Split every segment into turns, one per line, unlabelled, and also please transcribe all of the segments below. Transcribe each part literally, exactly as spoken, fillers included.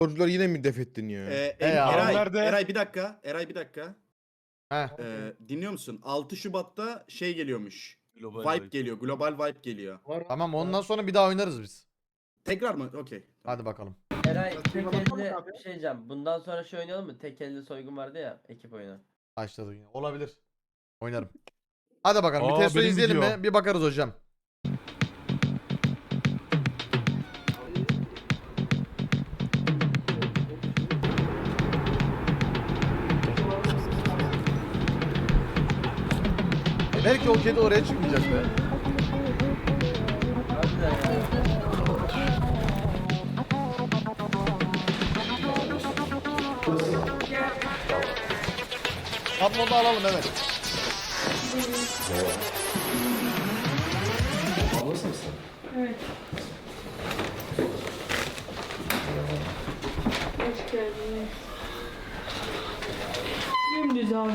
Sporcuları yine mi def ettin ya?
Ee,
E
Em-
ya,
Eray,
onlar da-
Eray bir dakika. Eray bir dakika.
Heh.
Ee, dinliyor musun? altı Şubat'ta şey geliyormuş.
Global
Vibe
Vibe.
geliyor. Global Vibe geliyor.
Tamam ondan sonra bir daha oynarız biz.
Tekrar mı? Okey.
Hadi bakalım.
Eray tek
Bakalım
elle
abi.
bir şey diyeceğim. Bundan sonra şey oynayalım mı? Tek elle soygun vardı ya ekip oyunu.
Başladık yine. Olabilir. Oynarım. Hadi bakalım.
Aa,
bir testo
benim
izleyelim
video.
mi? Bir bakarız hocam. Belki o kedi oraya çıkmayacak be.
Harbiden ya.
Tabloda alalım evet.
Ablası mısın?
Evet. Hoş geldiniz. Dümdüz abi.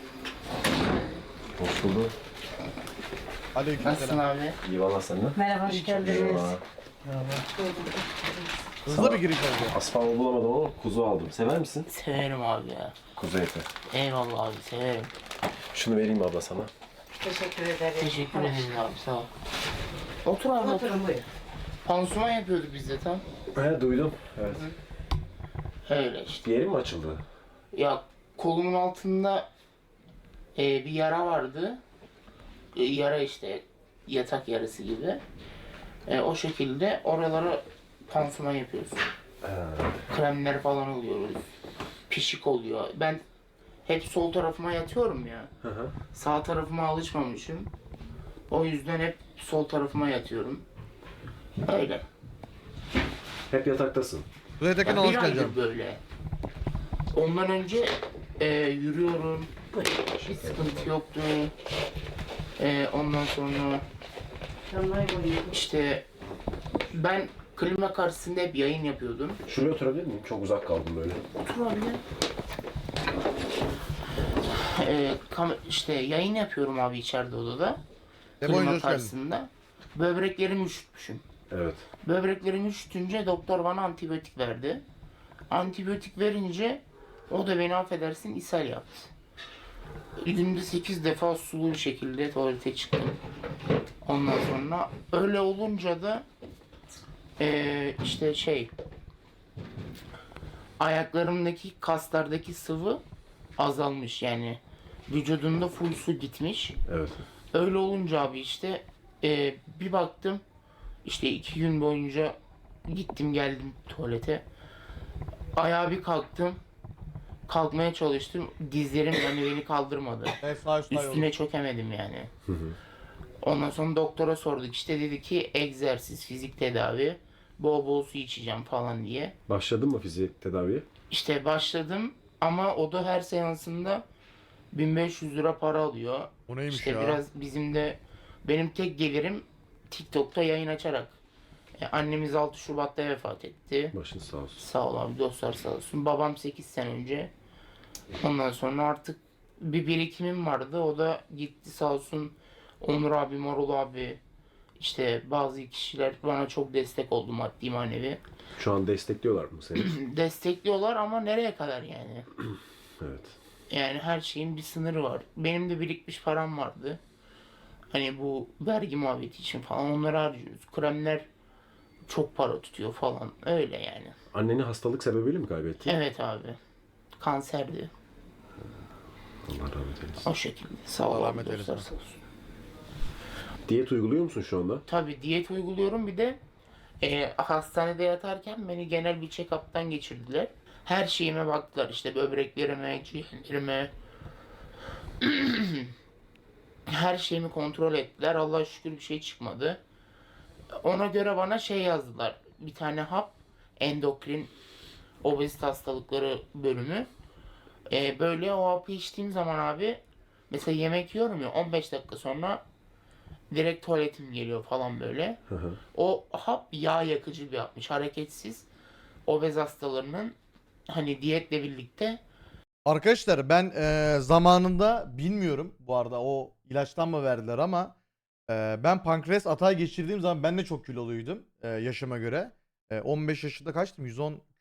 Hoş bulduk.
Aleykümselam.
abi?
İyi valla senden.
Merhaba, hoş geldiniz.
Eyvallah.
Hızlı bir giriş oldu.
Asfalt bulamadım ama kuzu aldım. Sever misin?
Severim abi ya.
Kuzu eti.
Eyvallah abi severim.
Şunu vereyim abla sana.
Teşekkür ederim.
Teşekkür ederim abi sağ ol. Otur abi otur. Pansuman yapıyorduk biz de tam.
He duydum. Evet.
Öyle işte.
Bir yerin mi açıldı?
Ya kolumun altında e, bir yara vardı. E, yara işte yatak yarası gibi. E, o şekilde oralara pansuman yapıyoruz. Kremler falan oluyoruz. Pişik oluyor. Ben hep sol tarafıma yatıyorum ya.
Hı hı.
Sağ tarafıma alışmamışım. O yüzden hep sol tarafıma yatıyorum. Öyle.
Hep yataktasın.
Buraya tekin
Ya
hoş
bir aydır
geldin.
böyle. Ondan önce e, yürüyorum. Hiç sıkıntı yoktu. E, ondan sonra işte ben klima karşısında hep yayın yapıyordum.
Şuraya oturabilir miyim? Çok uzak kaldım böyle.
Otur abi. E, kam- işte yayın yapıyorum abi içeride odada.
Demo
Klima
oyuncu hoş geldin.
karşısında. Böbreklerimi üşütmüşüm.
Evet.
Böbreklerimi üşütünce doktor bana antibiyotik verdi. Antibiyotik verince o da beni affedersin ishal yaptı. Günde sekiz defa sulu bir şekilde tuvalete çıktım. Ondan sonra öyle olunca da eee, işte şey ayaklarımdaki kaslardaki sıvı azalmış yani vücudumda full su gitmiş.
Evet.
Öyle olunca abi işte eee, bir baktım işte iki gün boyunca gittim geldim tuvalete. Ayağa bir kalktım. Kalkmaya çalıştım. Dizlerim yani beni kaldırmadı.
Evet sağ üstte yol.
Üstüne çökemedim yani. Ondan sonra doktora sorduk. İşte dedi ki egzersiz, fizik tedavi, bol bol su içeceğim falan diye.
Başladın mı fizik tedaviye?
İşte başladım ama o da her seansında bin beş yüz lira para alıyor.
Bu neymiş
İşte
ya?
biraz bizim de benim tek gelirim TikTok'ta yayın açarak. E, annemiz altı Şubat'ta vefat etti.
Başın sağ olsun.
Sağ ol abi dostlar sağ olsun. Babam sekiz sene önce. Ondan sonra artık bir birikimim vardı. O da gitti sağ olsun. Onur abi, Marul abi işte bazı kişiler bana çok destek oldu maddi manevi.
Şu an destekliyorlar mı seni?
Destekliyorlar ama nereye kadar yani?
Evet.
Yani her şeyin bir sınırı var. Benim de birikmiş param vardı. Hani bu vergi muhabbeti için falan onları harcıyoruz. Kremler çok para tutuyor falan. Öyle yani.
Anneni hastalık sebebiyle mi kaybettin?
Evet abi. Kanserdi.
Allah rahmet eylesin.
O şekilde. Sağ ol
Allah
abi
rahmet
dostlar
eylesin.
sağ olsun.
Diyet uyguluyor musun şu anda?
Tabii diyet uyguluyorum bir de e, hastanede yatarken beni genel bir check-up'tan geçirdiler. Her şeyime baktılar işte böbreklerime, ciğerlerime. Her şeyimi kontrol ettiler. Allah'a şükür bir şey çıkmadı. Ona göre bana şey yazdılar. Bir tane hap, endokrin obezite hastalıkları bölümü. E, böyle o hapı içtiğim zaman abi mesela yemek yiyorum ya on beş dakika sonra direkt tuvaletim geliyor falan böyle.
Hı hı.
O hap yağ yakıcı bir hapmış. Hareketsiz obez hastalarının hani diyetle birlikte
Arkadaşlar ben eee, zamanında bilmiyorum bu arada o ilaçtan mı verdiler ama eee, ben pankreas atağı geçirdiğim zaman ben de çok kiloluydum eee, yaşıma göre. Eee, on beş yaşında kaçtım? yüz on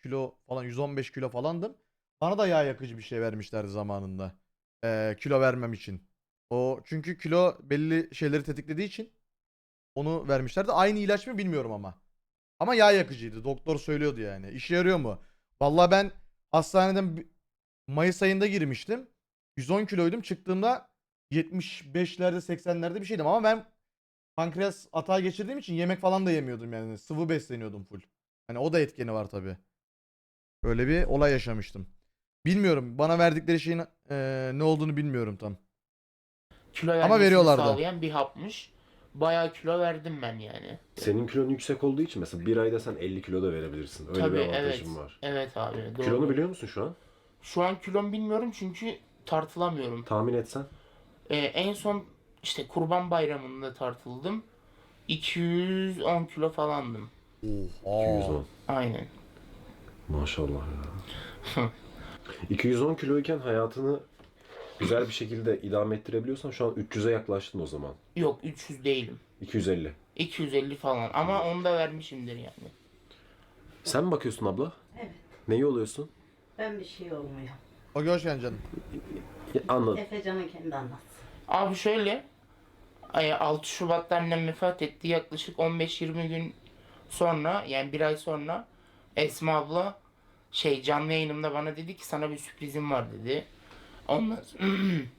kilo falan yüz on beş kilo falandım. Bana da yağ yakıcı bir şey vermişlerdi zamanında. Ee, kilo vermem için. O çünkü kilo belli şeyleri tetiklediği için onu vermişlerdi. Aynı ilaç mı bilmiyorum ama. Ama yağ yakıcıydı. Doktor söylüyordu yani. İşe yarıyor mu? Vallahi ben hastaneden bi- Mayıs ayında girmiştim. yüz on kiloydum. Çıktığımda yetmiş beşlerde seksenlerde bir şeydim ama ben pankreas atağı geçirdiğim için yemek falan da yemiyordum yani. Sıvı besleniyordum full. Hani o da etkeni var tabii. Böyle bir olay yaşamıştım. Bilmiyorum. Bana verdikleri şeyin eee, ne olduğunu bilmiyorum tam.
Kilo
Ama
vermesini
veriyorlardı.
sağlayan bir hapmış. Bayağı kilo verdim ben yani.
Senin kilon yüksek olduğu için mesela bir ayda sen elli kilo da verebilirsin. Öyle
Tabii
bir
evet.
avantajın var.
Evet abi doğru.
Kilonu biliyor musun şu an?
Şu an kilom bilmiyorum çünkü tartılamıyorum.
Tahmin etsen.
Ee, en son işte Kurban Bayramı'nda tartıldım. iki yüz on kilo falandım.
iki yüz on.
Aynen.
Maşallah ya. iki yüz on kiloyken hayatını güzel bir şekilde idame ettirebiliyorsan şu an üç yüze yaklaştın o zaman.
Yok üç yüz değilim.
iki yüz elli.
iki yüz elli falan ama onu da vermişimdir yani.
Sen mi bakıyorsun abla?
Evet.
Neyi oluyorsun?
Ben bir şey olmuyor.
O hoş geldin canım.
Ya, anladım.
Efecan'ın kendi anlatsın.
Abi şöyle ay, altı Şubat'ta annem vefat etti. Yaklaşık on beş yirmi gün sonra yani bir ay sonra Esma abla şey canlı yayınımda bana dedi ki sana bir sürprizim var dedi. Ondan sonra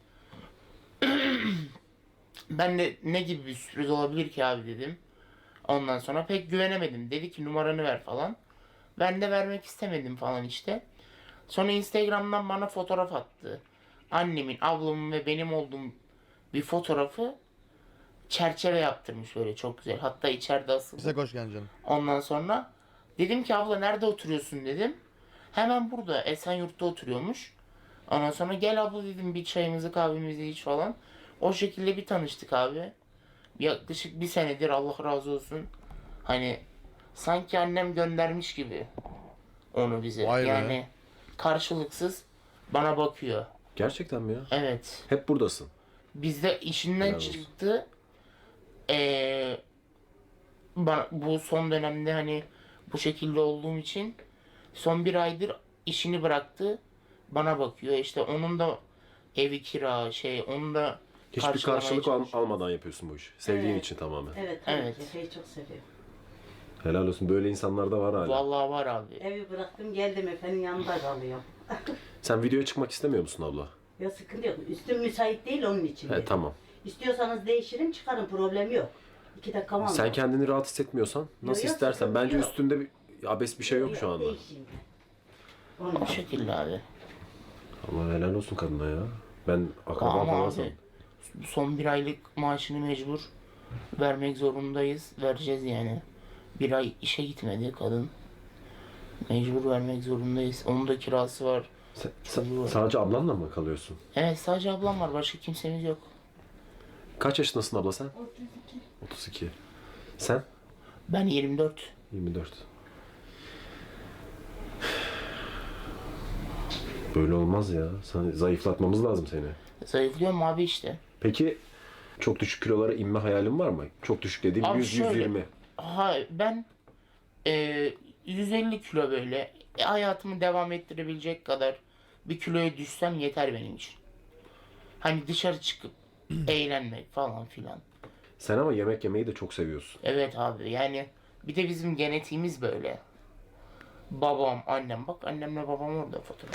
ben de ne gibi bir sürpriz olabilir ki abi dedim. Ondan sonra pek güvenemedim. Dedi ki numaranı ver falan. Ben de vermek istemedim falan işte. Sonra Instagram'dan bana fotoğraf attı. Annemin, ablamın ve benim olduğum bir fotoğrafı çerçeve yaptırmış böyle çok güzel. Hatta içeride asılı.
Bize hoş geldin canım.
Ondan sonra dedim ki abla nerede oturuyorsun dedim. Hemen burada Esenyurt'ta oturuyormuş. Ondan sonra gel abla dedim bir çayımızı kahvemizi iç falan. O şekilde bir tanıştık abi. Yaklaşık bir senedir Allah razı olsun. Hani sanki annem göndermiş gibi onu bize.
Vay be.
Yani karşılıksız bana bakıyor.
Gerçekten mi ya?
Evet.
Hep buradasın.
Bizde işinden
Helal olsun.
çıktı. Ee, bana, bu son dönemde hani bu şekilde olduğum için son bir aydır işini bıraktı. Bana bakıyor. İşte onun da evi kira şey onun da
Hiçbir
karşılamaya
karşılık al-
çalışıyor.
almadan yapıyorsun bu işi. Sevdiğin
Evet.
için tamamen.
Evet tabii
Evet.
ki. Efe'yi çok seviyorum.
Helal olsun. Böyle insanlar da var hala.
Vallahi var abi.
Evi bıraktım geldim Efe'nin yanında kalıyorum.
Sen videoya çıkmak istemiyor musun abla?
Ya sıkıntı yok. Üstüm müsait değil onun için.
He
dedim.
tamam.
İstiyorsanız değişirim çıkarım problemi yok. İki dakika var.
Sen kendini rahat hissetmiyorsan nasıl
yok,
istersen.
sıkıntı
Bence
yok.
üstünde bir abes bir şey yok şu anda.
Değişeyim ben. Onun
Bu
için.
şekilde abi.
Allah helal olsun kadına ya. Ben akraba
Ama
falan
abi
sandım.
son bir aylık maaşını mecbur vermek zorundayız. Vereceğiz yani. Bir ay işe gitmedi kadın. Mecbur vermek zorundayız. Onun da kirası var.
Sen,
Çocuğu
sen
var.
sadece ablanla mı kalıyorsun?
Evet sadece ablam var. Başka kimsemiz yok.
Kaç yaşındasın abla sen? otuz iki. Sen?
Ben yirmi dört.
yirmi dört. Böyle olmaz ya. Sen, zayıflatmamız lazım seni.
Zayıflıyorum abi işte.
Peki çok düşük kilolara inme hayalin var mı? Çok düşük dediğim
Abi
yüz
şöyle-
yüz yirmi.
Ha, ben e, yüz elli kilo böyle e, hayatımı devam ettirebilecek kadar bir kiloya düşsem yeter benim için. Hani dışarı çıkıp eğlenmek falan filan.
Sen ama yemek yemeyi de çok seviyorsun.
Evet abi yani bir de bizim genetiğimiz böyle. Babam, annem bak annemle babam orada fotoğraf.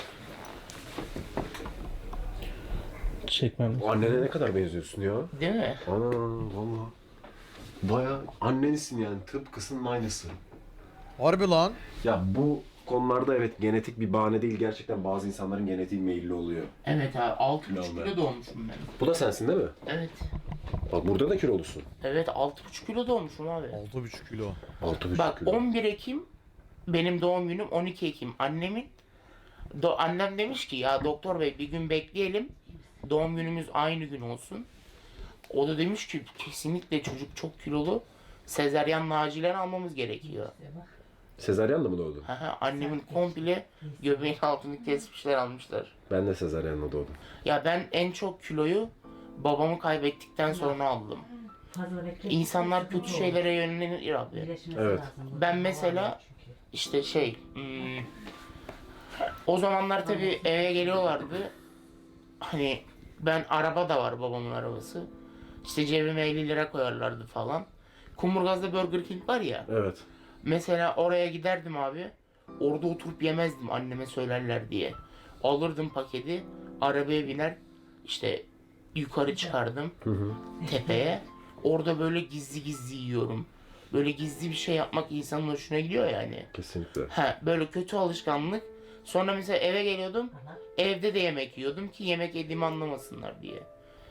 Çekmem.
Annene ne kadar benziyorsun ya?
Değil mi?
Ana valla. Baya annenisin yani tıpkısının aynısı.
Harbi lan.
Ya bu konularda evet genetik bir bahane değil. Gerçekten bazı insanların genetiği meyilli oluyor.
Evet abi altı buçuk
Kilo
kilo doğmuşum ben.
Bu da sensin değil mi?
Evet.
Bak burada da kilolusun.
Evet altı buçuk kilo doğmuşum abi.
altı buçuk kilo.
altı buçuk
Bak
kilo.
on bir Ekim benim doğum günüm, on iki Ekim annemin. Do- annem demiş ki ya doktor bey bir gün bekleyelim. Doğum günümüz aynı gün olsun. O da demiş ki kesinlikle çocuk çok kilolu. Sezaryenle acilen almamız gerekiyor.
Sezaryenle mi doğdun?
Haha, annemin komple göbeğin altını kesmişler almışlar.
Ben de sezaryenle doğdum.
Ya ben en çok kiloyu babamı kaybettikten sonra aldım.
Fazla bekle.
İnsanlar kötü şeylere yönelir abi.
İyileşmesi
Evet.
lazım.
Ben mesela işte şey hmm, o zamanlar tabii eve geliyorlardı. Hani ben araba da var, babamın arabası. İşte cebime elli lira koyarlardı falan. Kumburgaz'da Burger King var ya.
Evet.
Mesela oraya giderdim abi. Orada oturup yemezdim anneme söylerler diye. Alırdım paketi, arabaya biner, işte yukarı çıkardım
Hı hı.
tepeye. Orada böyle gizli gizli yiyorum. Böyle gizli bir şey yapmak insanın hoşuna gidiyor yani.
Kesinlikle.
Ha, böyle kötü alışkanlık. Sonra mesela eve geliyordum. Evde de yemek yiyordum ki yemek yediğimi anlamasınlar diye.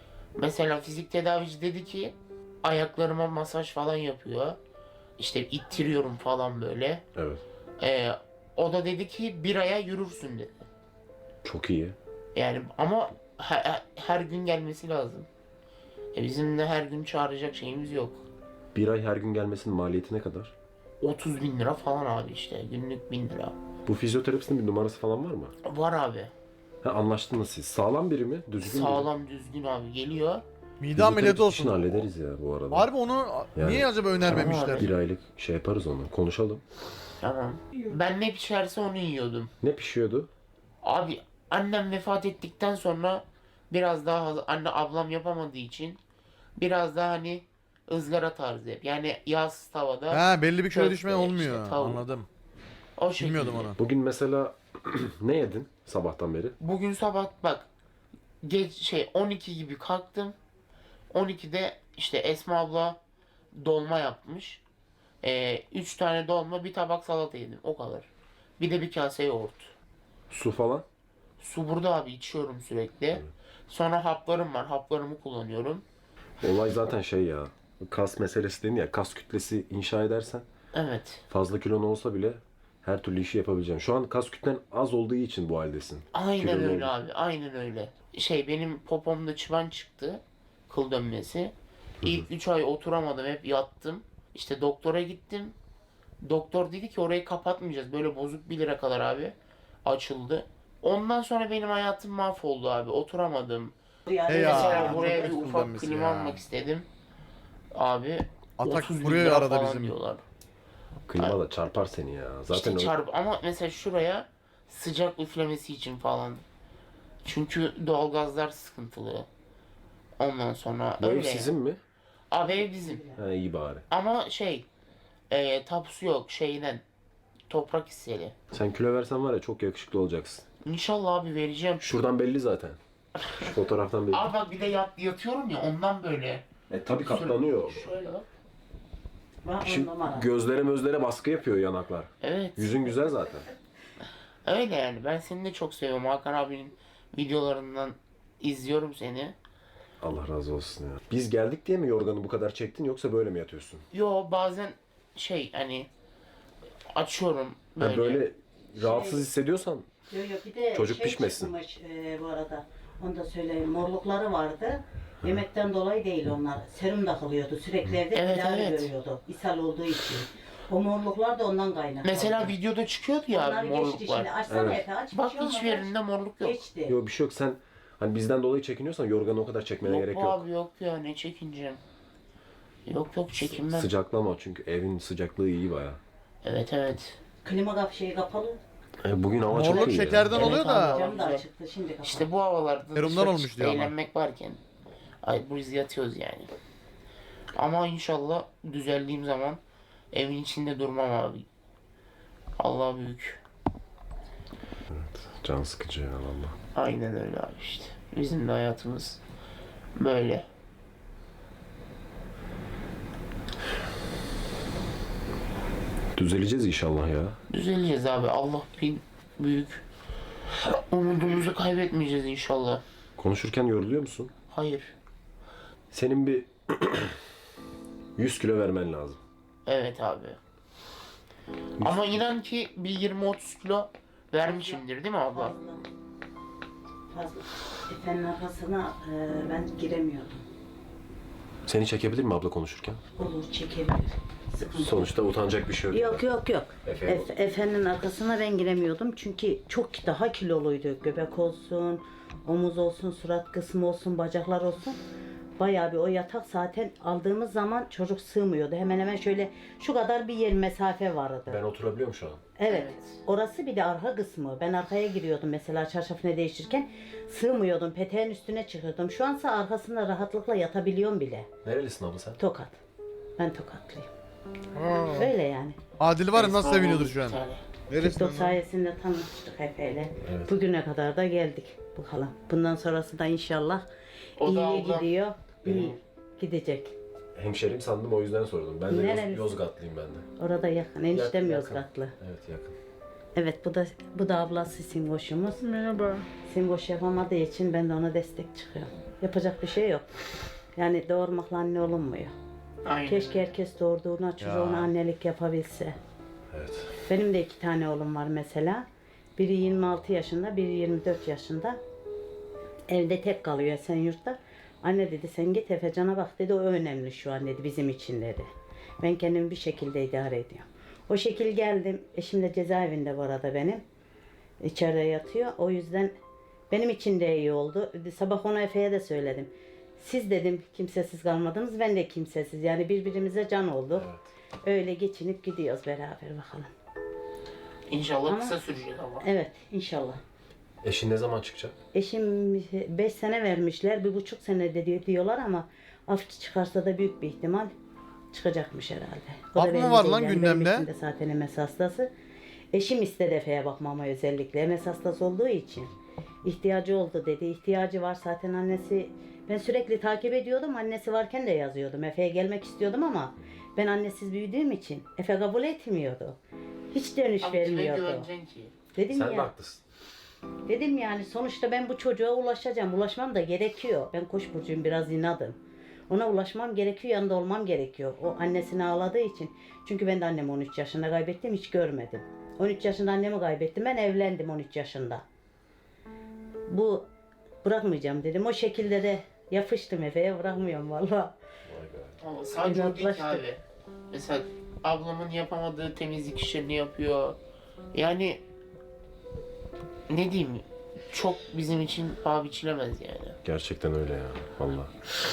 Mesela fizik tedavici dedi ki ayaklarıma masaj falan yapıyor. İşte ittiriyorum falan böyle.
Evet.
Ee, o da dedi ki bir aya yürürsün dedi.
Çok iyi.
Yani ama her, her gün gelmesi lazım. E bizim de her gün çağıracak şeyimiz yok.
Bir ay her gün gelmesinin maliyeti ne kadar?
otuz bin lira falan abi işte. Günlük bin lira.
Bu fizyoterapistin bir numarası falan var mı?
Var abi.
Ha, anlaştınız siz. Sağlam biri mi? Düzgün biri mi?
Sağlam düzgün abi geliyor.
Mide ameliyatı
Fizyoterapist işini
olsun.
hallederiz ya bu arada.
Harbi onu
Yani-
niye acaba önermemişler?
Bir aylık şey yaparız onu. Konuşalım.
Tamam. Ben ne pişerse onu yiyordum.
Ne pişiyordu?
Abi annem vefat ettikten sonra biraz daha haz- anne ablam yapamadığı için biraz daha hani ızgara tarzı hep. Yani yağsız tavada
Ha belli bir kilo
köfte,
düşme olmuyor.
işte tavuk.
Anladım.
o şekilde.
Bilmiyordum onu.
Bugün mesela ne yedin sabahtan beri?
Bugün sabah bak geç şey on iki gibi kalktım. on ikide işte Esma abla dolma yapmış. Ee, üç tane dolma, bir tabak salata yedim. O kadar. Bir de bir kase yoğurt.
Su falan?
Su burada abi, içiyorum sürekli. Sonra haplarım var. Haplarımı kullanıyorum.
Olay zaten şey ya. Kas meselesi dedin ya. Kas kütlesi inşa edersen
Evet.
fazla kilon olsa bile her türlü işi yapabileceğim. Şu an kas kütlen az olduğu için bu haldesin.
Aynen
Kilolu
öyle
oldun.
abi. Aynen öyle. Şey benim popomda çıban çıktı. Kıl dönmesi. İlk üç ay oturamadım. Hep yattım. İşte doktora gittim. Doktor dedi ki orayı kapatmayacağız. Böyle bozuk bir lira kadar abi. Açıldı. Ondan sonra benim hayatım mahvoldu abi. Oturamadım.
Hey ya.
Mesela
çok
buraya bir
kötü
ufak
kullanması
klima
ya.
almak istedim. Abi
Atak
otuz bin
buraya
lira
arada
falan
bizim.
diyorlar.
Klima da çarpar seni ya. Zaten
İşte
o-
çarp ama mesela şuraya sıcak üflemesi için falan. Çünkü doğalgazlar sıkıntılı. Ondan sonra
bu ev
öyle.
sizin mi?
Abi ev bizim.
Ha, iyi bari.
Ama şey e, tapusu yok şeyden. Toprak hisseli.
Sen kilo versen var ya çok yakışıklı olacaksın.
İnşallah abi vereceğim.
Şuradan belli zaten. Şu fotoğraftan belli.
Abi bak bir de yat, yatıyorum ya ondan böyle.
E tabi katlanıyor.
Şöyle bak.
Bak on
Şimdi
numara.
gözlere mözlere baskı yapıyor yanaklar.
Evet.
Yüzün güzel zaten.
Öyle yani. Ben seni de çok seviyorum. Hakan abinin videolarından izliyorum seni.
Allah razı olsun ya. Biz geldik diye mi yorganı bu kadar çektin yoksa böyle mi yatıyorsun?
Yo bazen şey hani açıyorum
Ha,
böyle.
böyle rahatsız hissediyorsan
Yok yok bir de
Çocuk
şey
pişmesin.
çıkmış e, bu arada. Onu da söyleyeyim. Morlukları vardı. Yemekten dolayı değil onlar. Serum takılıyordu. Sürekli evde
Evet,
tedavi
evet.
görüyordu. İshal olduğu için. O morluklar da ondan kaynaklı.
Mesela videoda çıkıyordu ya
Onlar
abi
geçti
morluklar.
şimdi. Açsana
Evet.
Efe aç. bir
Bak
şey olmaz,
hiçbir
aç.
yerinde morluk yok.
Geçti.
yok bir şey yok. Sen hani bizden dolayı çekiniyorsan yorganı o kadar çekmene
Yok
gerek
bu
yok.
abi yok ya ne çekineceğim. Yok yok çekinmem.
Sıcaklama çünkü evin sıcaklığı iyi baya.
Evet evet.
Klima kap şeyi kapalı.
E, bugün hava
Morluk
çok iyi. ya.
şekerden
Evet
oluyor
abi,
da.
Cam da
güzel.
açıktı şimdi kapalı.
İşte bu havalarda
Serumdan
dışarı
olmuş
çıkıp
diyor ama.
eğlenmek varken. Ay biz yatıyoruz yani. Ama inşallah düzeldiğim zaman evin içinde durmam abi. Allah büyük.
Can sıkıcı ya valla.
Aynen öyle abi işte. Bizim de hayatımız böyle.
Düzeleceğiz inşallah ya.
Düzeleceğiz abi. Allah bin büyük. Umudumuzu kaybetmeyeceğiz inşallah.
Konuşurken yoruluyor musun?
Hayır.
Senin bir yüz kilo vermen lazım.
Evet abi. Ama inan ki bir yirmi otuz kilo vermişimdir değil mi abla?
Fazla. Fazla. Efe'nin arkasına e, ben giremiyordum.
Seni çekebilir mi abla konuşurken?
Olur çekebilir. Sıkıntı yok.
Sonuçta utanacak bir şey yok.
Yok yok yok.
Efe
Efe, Efe'nin arkasına ben giremiyordum çünkü çok daha kiloluydu. Göbek olsun, omuz olsun, surat kısmı olsun, bacaklar olsun. bayağı bir o yatak zaten aldığımız zaman çocuk sığmıyordu. Hemen hemen şöyle şu kadar bir yer mesafe vardı.
Ben oturabiliyorum şu an.
Evet.
Evet.
Orası bir de arka kısmı. Ben arkaya giriyordum mesela çarşafını değiştirirken sığmıyordum. Peteğin üstüne çıkıyordum. Şu ansa arkasında rahatlıkla yatabiliyorum bile.
Nerelisin abla sen?
Tokat. Ben Tokatlıyım. Öyle yani.
Adil var ya nasıl
Esnaf
seviniyordur
oldu
şu an.
bir tane.
Neresi
TikTok
lan?
sayesinde tanıştık Efe'yle.
Evet.
Bugüne kadar da geldik. Bakalım. Bundan sonrası da inşallah
O da
iyi
ablam.
gidiyor. İyi
Benim-
gidecek.
Hemşerim sandım o yüzden sordum. Ben de Yoz-
Nerelisin?
Yozgatlıyım ben de.
Orada yakın. Eniştem
Yakın,
Yozgatlı.
Evet yakın.
Evet bu da bu da ablası Simboş'umuz.
Merhaba.
Simboş yapamadığı için ben de ona destek çıkıyorum. Yapacak bir şey yok. Yani doğurmakla anne olunmuyor.
Aynen.
Keşke herkes doğurduğuna çocuğuna
Ya.
annelik yapabilse.
Evet.
Benim de iki tane oğlum var mesela. Biri yirmi altı yaşında, biri yirmi dört yaşında. Evde tek kalıyor Esenyurt'ta. Anne dedi sen git Efecan'a bak dedi, o önemli şu an dedi bizim için dedi. Ben kendimi bir şekilde idare ediyorum. O şekil geldim. Eşim de cezaevinde bu arada benim. İçeride yatıyor. O yüzden benim için de iyi oldu. Sabah ona Efe'ye de söyledim. Siz dedim kimsesiz kalmadınız, ben de kimsesiz. Yani birbirimize can olduk. Öyle geçinip gidiyoruz beraber bakalım.
İnşallah
Ama-
kısa sürecek ama.
Evet inşallah.
Eşin ne zaman çıkacak?
Eşim beş sene vermişler, bir buçuk sene de diyor- diyorlar ama af çıkarsa da büyük bir ihtimal çıkacakmış herhalde. O da
Af mı
belli
var
değil
lan
yani.
gündemde?
Benim eşim de zaten M S hastası. Eşim istedi Efe'ye bakmama özellikle. M S hastası olduğu için. İhtiyacı oldu dedi. İhtiyacı var zaten annesi. Ben sürekli takip ediyordum. Annesi varken de yazıyordum. Efe'ye gelmek istiyordum ama ben annesiz büyüdüğüm için Efe kabul etmiyordu. Hiç dönüş
Abi kime
vermiyordu.
güveneceksin ki?
Dedim
Sen de
ya.
haklısın.
Dedim yani sonuçta ben bu çocuğa ulaşacağım. Ulaşmam da gerekiyor. Ben Koç burcuyum, biraz inadım. Ona ulaşmam gerekiyor, yanında olmam gerekiyor. O annesini ağladığı için. Çünkü ben de annemi on üç yaşında kaybettim, hiç görmedim. on üç yaşında annemi kaybettim, ben evlendim on üç yaşında. Bu bırakmayacağım dedim. O şekilde de yapıştım Efe'ye, bırakmıyorum valla.
Vay be.
Ama sadece o değil ki
İnatlaştık.
abi. Mesela ablamın yapamadığı temizlik işlerini yapıyor. Yani ne diyeyim, çok bizim için paha biçilemez yani.
Gerçekten öyle ya. Vallahi.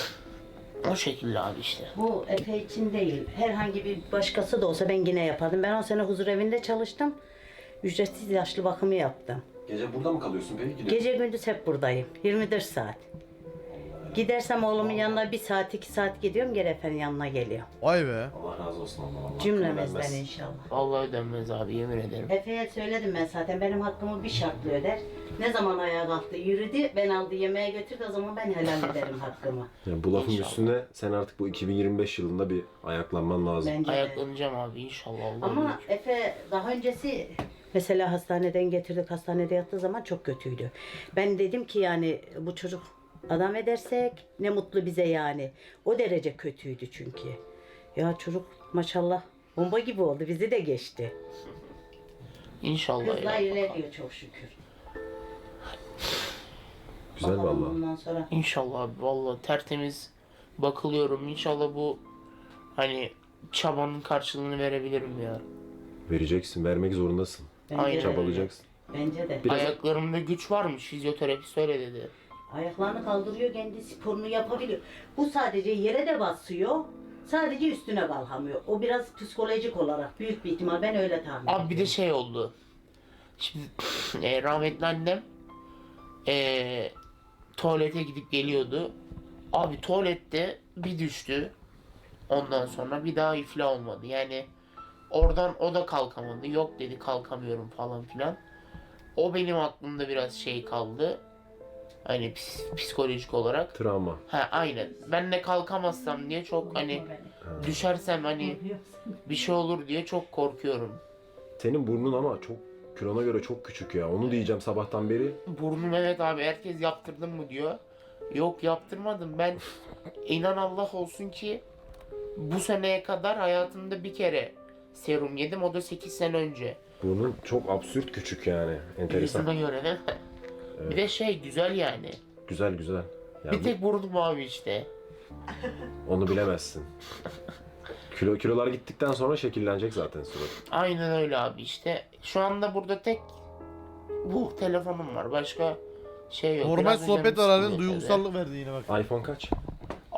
O şekilde abi işte.
Bu Efe için değil. Herhangi bir başkası da olsa ben yine yapardım. Ben on sene huzur evinde çalıştım. Ücretsiz yaşlı bakımı yaptım.
Gece burada mı kalıyorsun peki? Gidiyor.
Gece gündüz hep buradayım. yirmi dört saat. Gidersem oğlumun yanına bir saat iki saat gidiyorum. Geri efendim yanına geliyorum.
Vay be.
Allah razı olsun Allah. Allah
Cümlemizden
vermez.
inşallah.
Vallahi ödenmez abi, yemin ederim.
Efe'ye söyledim ben zaten. Benim hakkımı bir şartla öder. Ne zaman ayağa kalktı yürüdü. Ben aldı yemeğe götürdü. O zaman ben helal ederim hakkımı.
Yani bu lafın
İnşallah.
üstüne sen artık bu iki bin yirmi beş yılında bir ayaklanman lazım.
Bence de.
Ayaklanacağım abi inşallah. Allah
Ama
bilir.
Efe daha öncesi mesela hastaneden getirdik, hastanede yattığı zaman çok kötüydü. Ben dedim ki yani bu çocuk adam edersek ne mutlu bize yani. O derece kötüydü çünkü. Ya çocuk maşallah bomba gibi oldu, bizi de geçti.
İnşallah
Hızla
ya.
ilerliyor çok şükür.
Güzel
Bakalım
vallahi.
bundan sonra.
İnşallah abi, vallahi tertemiz bakılıyorum. İnşallah bu hani çabanın karşılığını verebilirim ya.
Vereceksin, vermek zorundasın.
Bence
Aynen.
de.
Çabalayacaksın.
Bence de.
Biraz-
Ayaklarımda güç varmış, fizyoterapist öyle dedi.
Ayaklarını kaldırıyor, kendi sporunu yapabiliyor. Bu sadece yere de basıyor. Sadece üstüne kalkamıyor. O biraz psikolojik olarak büyük bir ihtimal, ben öyle tahmin ediyorum.
Abi bir de şey oldu. Şimdi e, rahmetli annem e, tuvalete gidip geliyordu. Abi tuvalette bir düştü. Ondan sonra bir daha iflah olmadı. Yani oradan o da kalkamadı. Yok dedi, kalkamıyorum falan filan. O benim aklımda biraz şey kaldı. Hani ps- psikolojik olarak.
Travma.
Ha aynen. Ben de kalkamazsam diye çok hani düşersem hani bir şey olur diye çok korkuyorum.
Senin burnun ama çok kilona göre çok küçük ya. Onu diyeceğim sabahtan beri.
Burnum, evet abi, herkes yaptırdın mı diyor. Yok yaptırmadım. Ben inan Allah olsun ki bu seneye kadar hayatımda bir kere serum yedim. O da sekiz sene önce.
Burnun çok absürt küçük yani. Enteresan.
Yüzüme göre değil mi? Bir de şey güzel yani.
Güzel güzel. Yani
Bir tek burnum abi işte.
bu- onu bilemezsin. Kilo kilolar gittikten sonra şekillenecek zaten surat.
Aynen öyle abi işte. Şu anda burada tek bu telefonum var. Başka şey yok.
Normal
Biraz önce
sohbet
mi
ararın
sıkılıyor tabii.
duygusallık verdi yine bak.
iPhone kaç?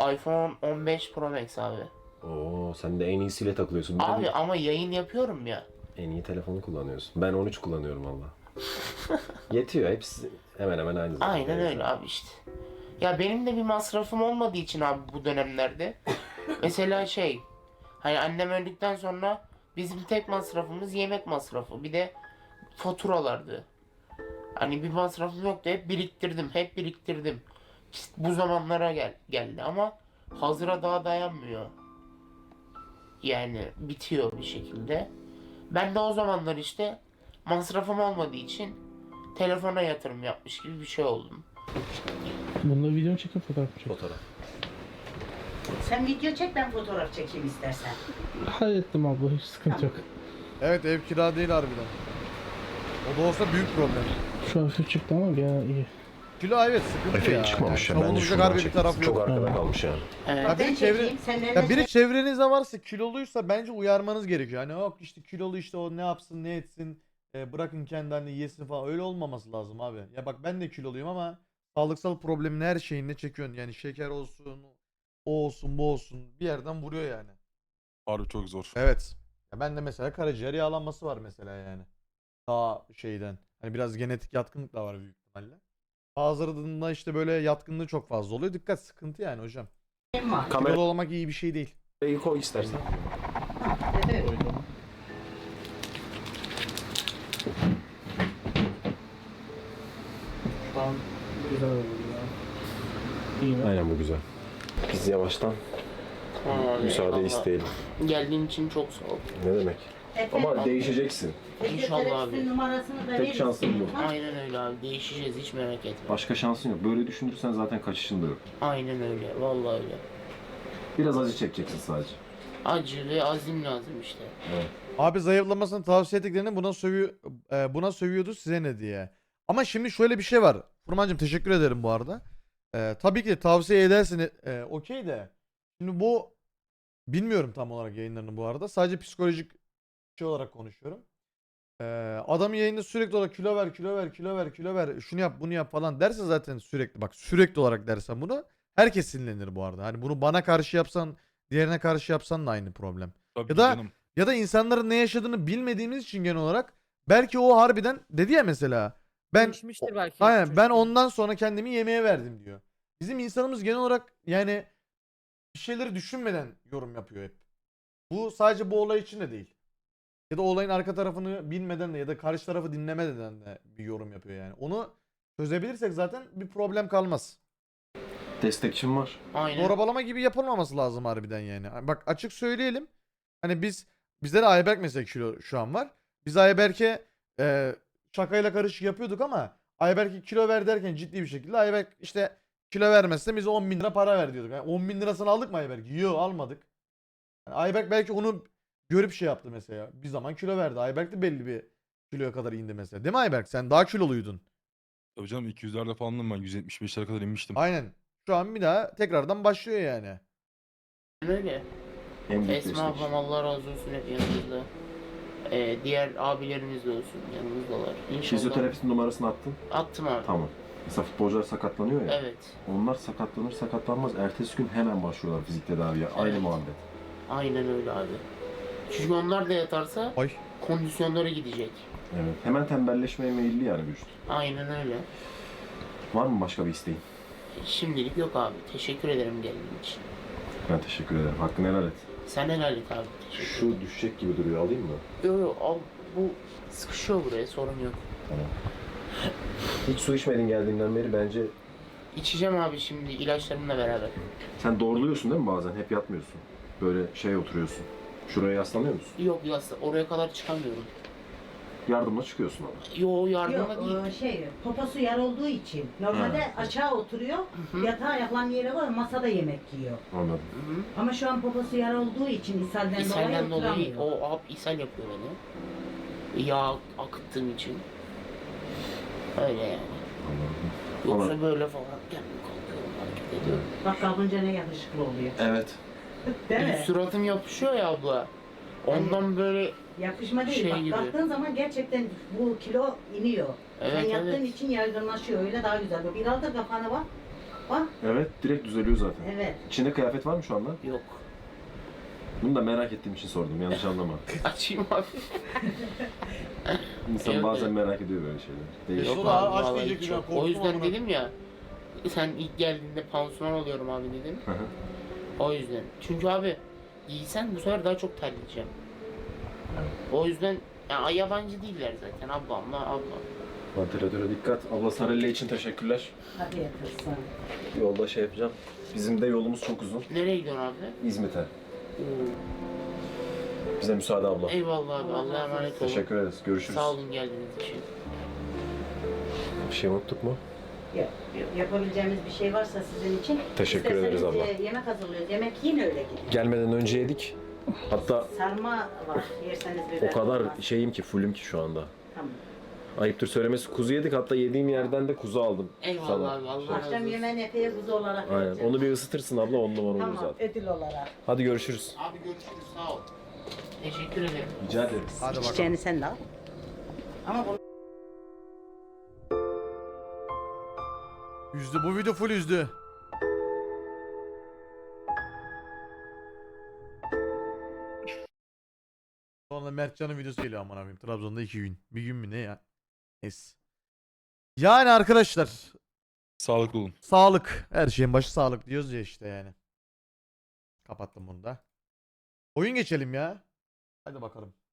iPhone on beş Pro Max abi.
Oo, sen de en iyisiyle takılıyorsun. Bir de
Abi
bir-
ama yayın yapıyorum ya.
En iyi telefonu kullanıyorsun. Ben on üç kullanıyorum valla. Yetiyor. Hepsi hemen hemen aynı zaten.
Aynen öyle abi işte. Ya benim de bir masrafım olmadığı için abi bu dönemlerde. Mesela şey, hani annem öldükten sonra bizim tek masrafımız yemek masrafı. Bir de faturalardı. Hani bir masrafım yoktu. Hep biriktirdim, hep biriktirdim. İşte bu zamanlara gel geldi ama hazıra daha dayanmıyor. Yani bitiyor bir şekilde. Ben de o zamanlar işte masrafım olmadığı için telefona yatırım yapmış gibi bir şey oldum.
Bunda video mu çekip fotoğraf mı çekip?
Fotoğraf.
Sen video çek, ben fotoğraf çekeyim istersen.
Hallettim abla, hiç sıkıntı yok.
Evet, ev kira değil harbiden. O da olsa büyük problem.
Şu hafif çıktı ama gene iyi.
Kilo evet sıkıntı
Efe
ya.
hiç çıkmamış
Yani
ya. Bence
savunulacak
şuradan
harbi bir
çektim.
tarafı
Çok
yok.
arkada
Ha.
kalmış yani.
Evet.
Ya
Ben
biri çevre-
çekeyim, sen
Ya
nerede
biri çevrenizde varsa kiloluysa bence uyarmanız gerekiyor. Hani yok işte kilolu işte o ne yapsın ne etsin e, bırakın kendi halini yesin falan öyle olmaması lazım abi. Ya bak ben de kiloluyum ama sağlıksal problemin her şeyini çekiyorsun. Yani şeker olsun o olsun bu olsun bir yerden vuruyor yani.
Harbi çok zor.
Evet. Ya ben de mesela karaciğer yağlanması var mesela yani. Daha şeyden. Hani biraz genetik yatkınlık da var büyük ihtimalle. Bazılarında işte böyle yatkınlığı çok fazla oluyor. Dikkat sıkıntı yani hocam.
var?
Kamerayı
Kilolu olmak iyi bir şey değil.
koy istersen.
Evet.
Şu an güzel oldu ya. İyi mi?
Aynen bu güzel. Biz yavaştan
Tamam abi,
müsaade
eyvallah.
isteyelim.
Geldiğin için çok sağ ol.
Ne demek? Ama değişeceksin.
İnşallah abi.
Fizyoterapistin numarasını da
Tek
verirsin.
şansın bu.
Ha?
Aynen öyle abi. Değişeceğiz, hiç merak etme.
Başka şansın yok. Böyle düşünürsen zaten kaçışın da yok.
Aynen öyle. Vallahi öyle.
Biraz acı çekeceksin sadece.
Acı ve azim lazım işte.
Abi zayıflamasını tavsiye ettiklerini buna sövüyor e, buna sövüyordu size ne diye. Ama şimdi şöyle bir şey var. Furmancığım teşekkür ederim bu arada. E, tabii ki tavsiye edersin e, okey de. Şimdi bu bilmiyorum tam olarak yayınlarını bu arada. Sadece psikolojik şey olarak konuşuyorum. E, adam yayında sürekli olarak kilo ver, kilo ver, kilo ver, kilo ver, şunu yap, bunu yap falan derse zaten sürekli bak sürekli olarak dersen bunu herkes sinirlenir bu arada. Hani bunu bana karşı yapsan, diğerine karşı yapsan da aynı problem.
Tabii
Ya da-
canım.
Ya da insanların ne yaşadığını bilmediğimiz için genel olarak belki o harbiden dedi ya mesela ben
Değişmiştir belki.
aynen ben
çocukken.
ondan sonra kendimi yemeğe verdim diyor. Bizim insanımız genel olarak yani bir şeyleri düşünmeden yorum yapıyor hep. Bu sadece bu olay için de değil. Ya da olayın arka tarafını bilmeden de ya da karşı tarafı dinlemeden de bir yorum yapıyor yani. Onu çözebilirsek zaten bir problem kalmaz.
Destekçim var.
Aynen.
Zorabalama gibi yapılmaması lazım harbiden yani. Bak açık söyleyelim. Hani biz bizde de Ayberk mesela kilo şu an var. Biz Ayberk'e e, şakayla karışık yapıyorduk ama Ayberk'e kilo ver derken ciddi bir şekilde Ayberk işte kilo vermezse bize on bin lira para ver diyorduk. Yani on bin lirasını aldık mı Ayberk? Yok almadık. Yani Ayberk belki onu görüp şey yaptı mesela. Bir zaman kilo verdi. Ayberk de belli bir kiloya kadar indi mesela. Değil mi Ayberk? Sen daha kiloluydun.
Tabii canım iki yüzlerde falandım ben. yüz yetmiş beşlere kadar inmiştim.
Aynen. Şu an bir daha tekrardan başlıyor yani.
Öyle.
En büyük
Esma
destekçi.
ablam Allah razı olsun hep yanımızda. Ee, diğer abilerimiz de olsun yanımızdalar. İnşallah.
Fizyoterapistin numarasını attın.
Attım abi.
Tamam. Mesela futbolcular sakatlanıyor ya.
Evet.
Onlar sakatlanır sakatlanmaz ertesi gün hemen başlıyorlar fizik tedaviye. Aynı
Evet.
muhabbet.
Aynen öyle abi. Çünkü onlar da yatarsa
Ay.
kondisyonları gidecek.
Evet. Hemen tembelleşmeye meyilli yani vücut.
Aynen öyle.
Var mı başka bir isteğin?
Şimdilik yok abi. Teşekkür ederim geldiğin için.
Ben teşekkür ederim. Hakkını helal et.
Sen helal et abi. Teşekkür
Şu düşecek gibi duruyor. Alayım mı?
Yo yo al. Bu sıkışıyor buraya, sorun yok.
Tamam. Hiç su içmedin geldiğinden beri bence.
İçeceğim abi şimdi ilaçlarımla beraber.
Sen doğruluyorsun değil mi bazen? Hep yatmıyorsun. Böyle şey oturuyorsun. Şuraya yaslanıyor musun?
Yok ya oraya kadar çıkamıyorum.
Yardımla çıkıyorsun ama.
Yo yardımla
Yok
değil.
o şey poposu yer olduğu için normalde aşağı oturuyor,
hı.
yatağa ayaklarının yere var, masada yemek yiyor.
Anladım.
Hı-hı.
Ama şu an poposu yer olduğu için ishalden,
İshalden
dolayı
dolayı
oturamıyor.
o hap ishal yapıyor beni. Yağ akıttığım için. Öyle yani.
Anladım.
Yoksa
Ama-
böyle falan kendim kalkıyorum, hareket ediyorum.
Bak kalkınca ne yakışıklı oluyor.
Evet.
Değil mi?
Suratım yapışıyor ya abla. Ondan böyle
Yapışma değil.
Şey
Bak
gibi.
kalktığın zaman gerçekten bu kilo iniyor. Sen
Evet,
yattığın
evet.
için yaygınlaşıyor. Öyle daha güzel. Biraz da kafana bak. Bak.
Evet, direkt düzeliyor zaten.
Evet.
İçinde kıyafet var mı şu anda?
Yok.
Bunu da merak ettiğim için sordum, yanlış anlama.
Açayım abi.
İnsan
Evet,
bazen
evet.
merak ediyor böyle şeyler. Değişik.
Yok
Yok
abi,
abi,
aç
vallahi
diyecek
hiç
bir
yok.
an, korktum
O yüzden
amına.
dedim ya. Sen ilk geldiğinde pansuman oluyorum abi dedim.
Hı hı.
O yüzden. Çünkü abi giysen bu sefer daha çok terleyeceğim. O yüzden ya, yabancı değiller zaten ablamla abla.
Ventilatöre dikkat. Abla Sarelle için teşekkürler.
Hadi yatırsın.
Yolda şey yapacağım. Bizim de yolumuz çok uzun.
Nereye gidiyorsun abi?
İzmit'e. Bize müsaade abla.
Eyvallah abi.
Allah
Allah'a
razı
emanet olun.
Teşekkür ederiz. Görüşürüz.
Sağ olun geldiğiniz için.
Bir şey unuttuk mu?
Yap, yapabileceğimiz bir şey varsa sizin için.
Teşekkür ederiz
İsterseniz,
abla.
e, yemek hazırlıyoruz. Yemek yiyin öyle gidin.
Gelmeden önce yedik. Hatta
Sarma var. Yerseniz biber
o kadar
olmaz.
şeyim ki, fullüm ki şu anda.
Tamam.
Ayıptır söylemesi, kuzu yedik. Hatta yediğim yerden de kuzu aldım.
Eyvallah
sana.
abi. Allah razı
Akşam
olsun.
yemeğini epey kuzu olarak
Aynen.
vereceğim.
Onu bir ısıtırsın abla, on numara olur
Tamam,
zaten.
ödül olarak.
Hadi görüşürüz.
Abi görüşürüz. Sağ ol. Teşekkür ederim.
Rica ederiz.
Hadi bakalım.
İçeceğini sen de al. Ama bunu
Yüzdü. Bu video full yüzdü. Sonra Mertcan'ın videosu geliyor aman abim. Trabzon'da iki gün. Bir gün mü ne ya? Neyse. Yani arkadaşlar.
Sağlıklı olun.
Sağlık. Her şeyin başı sağlık diyoruz ya işte yani. Kapattım bunu da. Oyun geçelim ya. Hadi bakalım.